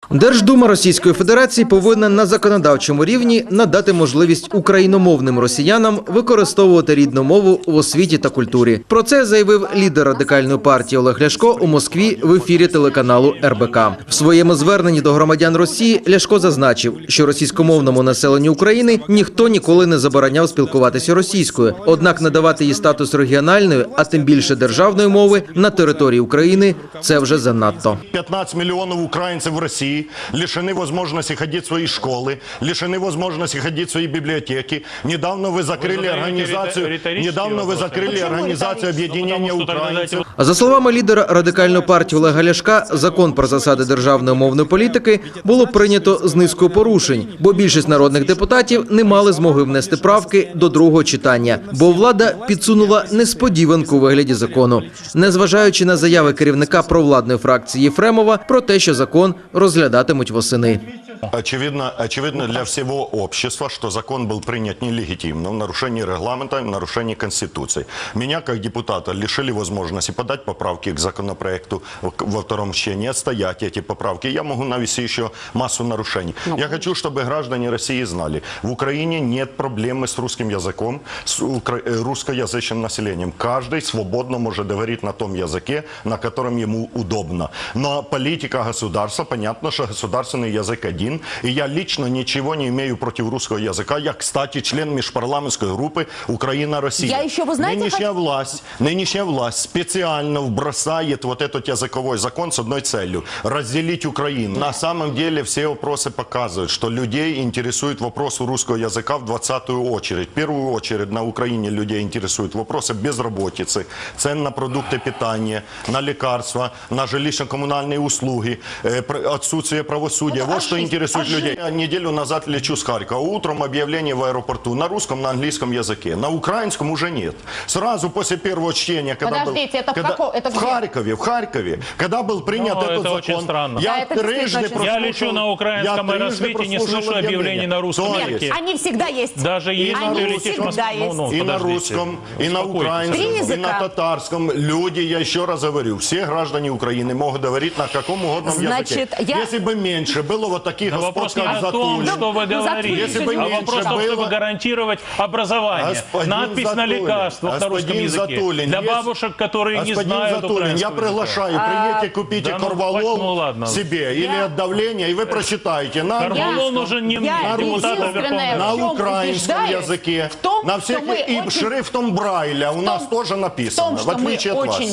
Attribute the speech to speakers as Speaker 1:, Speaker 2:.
Speaker 1: Держдума Російської Федерації повинна на законодавчому рівні надати можливість україномовним росіянам використовувати рідну мову в освіті та культурі. Про це заявив лідер Радикальної партії Олег Ляшко у Москві в ефірі телеканалу РБК. В своєму зверненні до громадян Росії Ляшко зазначив, що російськомовному населенню України ніхто ніколи не забороняв спілкуватися російською. Однак надавати їй статус регіональної, а тим більше державної мови на території України – це вже занадто.
Speaker 2: 15 миллионов украинцев в России лишены возможности ходить в свои школы, лишены возможности ходить в свои библиотеки. Недавно вы закрыли организацию объединения украинцев.
Speaker 1: За словами лідера Радикальної партії Олега Ляшка, закон про засади державної мовної політики було прийнято з низкою порушень, бо більшість народних депутатів не мали змоги внести правки до другого читання, бо влада підсунула несподіванку у вигляді закону, незважаючи на заяви керівника провладної фракції Єфремова про те, що закон розглядатимуть восени.
Speaker 2: Очевидно для всего общества, что закон был принят нелегитимно, в нарушении регламента, в нарушении Конституции. Меня, как депутата, лишили возможности подать поправки к законопроекту во втором чтении, отстоять эти поправки. Я могу навести еще массу нарушений. Я хочу, чтобы граждане России знали, в Украине нет проблемы с русским языком, с русскоязычным населением. Каждый свободно может говорить на том языке, на котором ему удобно. Но политика государства, понятно, что государственный язык один. И я лично ничего не имею против русского языка. Я, кстати, член межпарламентской группы Украина-Россия.
Speaker 3: Я еще, вы знаете,
Speaker 2: нынешняя власть специально вбросает вот этот языковой закон с одной целью – разделить Украину. На самом деле все вопросы показывают, что людей интересует вопрос русского языка в 20-ю очередь. В первую очередь на Украине людей интересуют вопросы безработицы, цен на продукты питания, на лекарства, на жилищно-коммунальные услуги, отсутствие правосудия. Вот что интересует людей. Я неделю назад лечу с Харькова. Утром объявление в аэропорту на русском, на английском языке. На украинском уже нет. Сразу после первого чтения, когда в Харькове, когда был принят этот закон,
Speaker 4: я лечу на украинском аэросмите, не слышу объявлений на русском языке.
Speaker 3: Они всегда есть.
Speaker 4: Даже если ты летишь в Москву.
Speaker 2: И на русском, и на украинском, и на татарском. Люди, я еще раз говорю, все граждане Украины могут говорить на каком угодно языке. Если бы меньше было вот таких
Speaker 4: вопрос не о том, что вы говорите, а вопрос в том, чтобы гарантировать образование. Надпись на лекарствах на русском языке. Для бабушек, которые не знают украинского
Speaker 2: я приглашаю, приедьте, купите корвалол себе или от давления, и вы прочитаете.
Speaker 4: Корвалол нужен не мне, депутатам Верховного.
Speaker 2: На украинском языке, на всех, и шрифтом Брайля у нас тоже написано, в отличие от вас.